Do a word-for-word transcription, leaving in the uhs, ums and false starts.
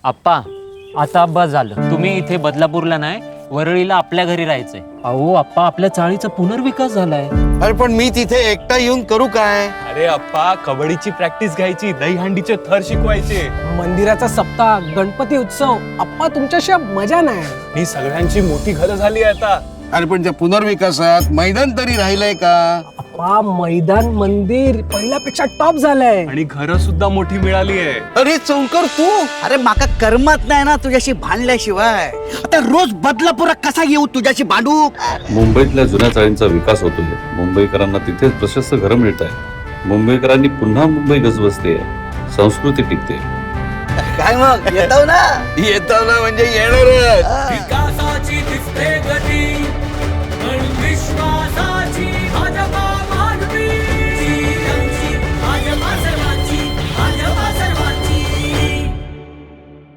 आप्पा आता बस झालं. तुम्ही इथे बदलापूरला नाही वरळीला आपल्या घरी राहायचंय. अहो आप्पा आपल्या चाळीचा पुनर्विकास झालाय. अरे पण मी तिथे एकटा येऊन करू काय? अरे अप्पा कबड्डीची प्रॅक्टिस घ्यायची, दहीहंडीचे थर शिकवायचे, मंदिराचा सप्ताह, गणपती उत्सव. अप्पा तुमच्याशिवाय मजा नाही. ही सगळ्यांची मोठी घरं झाली आहे आता. अरे पण त्या पुनर्विकासात मैदान तरी राहिलंय का? अप्पा मैदान मंदिर पहिल्यापेक्षा टॉप झालंय. आणि घरं सुद्धा मोठी मिळाली आहे. अरे चौकर तू अरे माका करमत नाही ना तुझ्याशी भांडल्याशिवाय. आता रोज बदलापुरात कसा येऊ तुझ्याशी भांडू? मुंबईतल्या जुन्या चाळींचा विकास होतोय. मुंबईकरांना तिथेच प्रशस्त घरं मिळत आहे. मुंबईकरांनी पुन्हा मुंबई गजबजते, संस्कृती टिकते. काय मग येतो ना? येतो ना म्हणजे येणारच. विकासाची दिसते गती